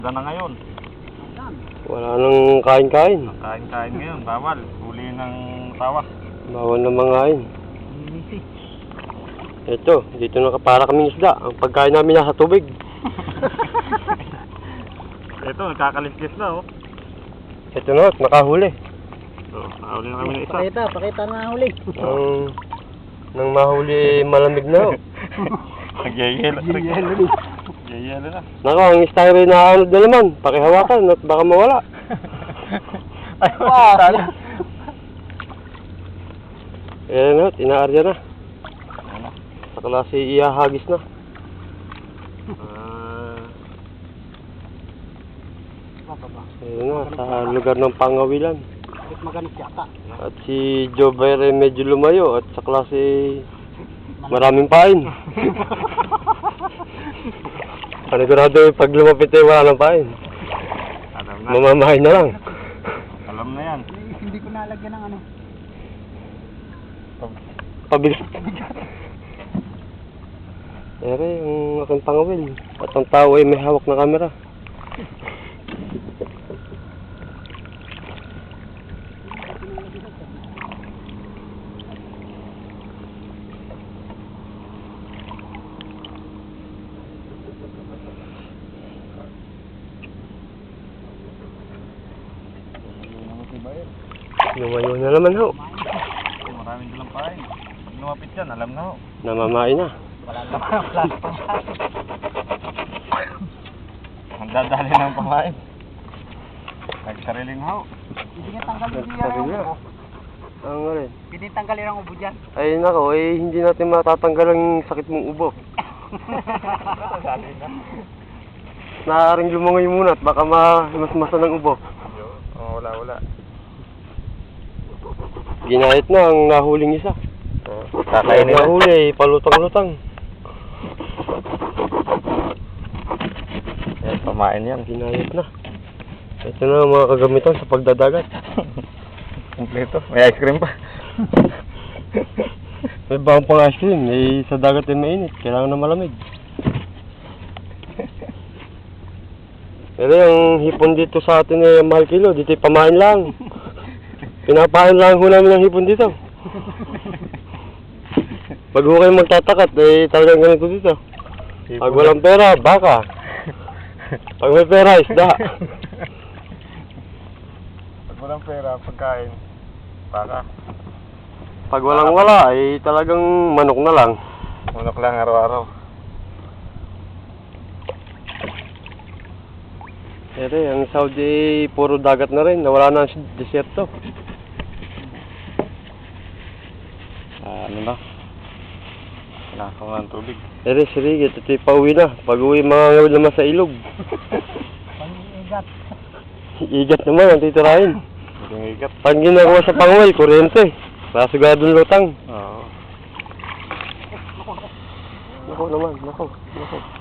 Gana ngayon. Wala nang kain-kain. Kain-kain ngayon, bawal. Huli ng tawa. Bawal na mangain. Ito, dito nakapara kaming isda. Ang pagkain namin nasa tubig. Ito, nagkakaliskis na oh. Ito na, nakahuli. So, nakahuli na kami ng isa. Pakita na huli. Nang mahuli malamig na oh. Nagyayelo. Nagyayelo na. Nako, ang styro na ano na naman. Pakihawakan at baka mawala. Ay, sana. Ayan na, tinaarya na. Sa klase ihahagis na. Ayan na, sa lugar ng pangawilan. Maganik yata. At si Joe Bayer ay medyo lumayo at sa klase maraming pain. Panigurado yung pag lumapit ay wala ng pain. Alam na. Mamamahin na lang. Alam na yan. Hindi ko nalagyan ng ano. Pabigat. Ere, yung aking pangawil. At ang tao ay may hawak na kamera. Lumayo na naman ho. Maraming dalang pain. Pag lumapit yan, alam na ho. Namamain na. Wala pang Ang dadali ng pamain. Nagsariling ho. Hindi nga tanggalin Sabi niya. Ang rin. Hindi tanggalin ang ubo dyan. Ay nako, hindi natin matatanggal ang sakit mong ubo. Naaaring lumangoy muna at baka mas ng ubo. Oh, wala. Ginahit na ang nahuling isa. Kakainin na. Nahuli, palutang-lutang. Yan, pamain yan. Ginahit na. Ito na ang mga kagamitan sa pagdadagat. Kompleto. May ice cream pa. May bang pang ice cream, sa dagat ay mainit. Kailangan na malamig. Pero yung hipon dito sa atin ay mahal kilo. Dito ay pamain lang. Pinapain lang ho namin ng hipon dito. Pag ho kayo magtatakat, talagang ganito dito. Pag walang pera, baka. Pag may pera, isda. Pag walang pera, pagkain, baka. Pag walang wala, talagang manok na lang. Manok lang araw-araw. Pero ang Saudi, puro dagat na rin. Nawala na ang desierto. Ano na? Kinakaw na ng tubig. Pero sige, ito'y pauwi na. Pag-uwi, mga ngawil naman sa ilog. Pang-igat. Igat naman ang titirahin. Yung ikat. Pag ginagawa sa pangawil, kuryente. Nasugadong lutang. Oo. Nako naman, nako.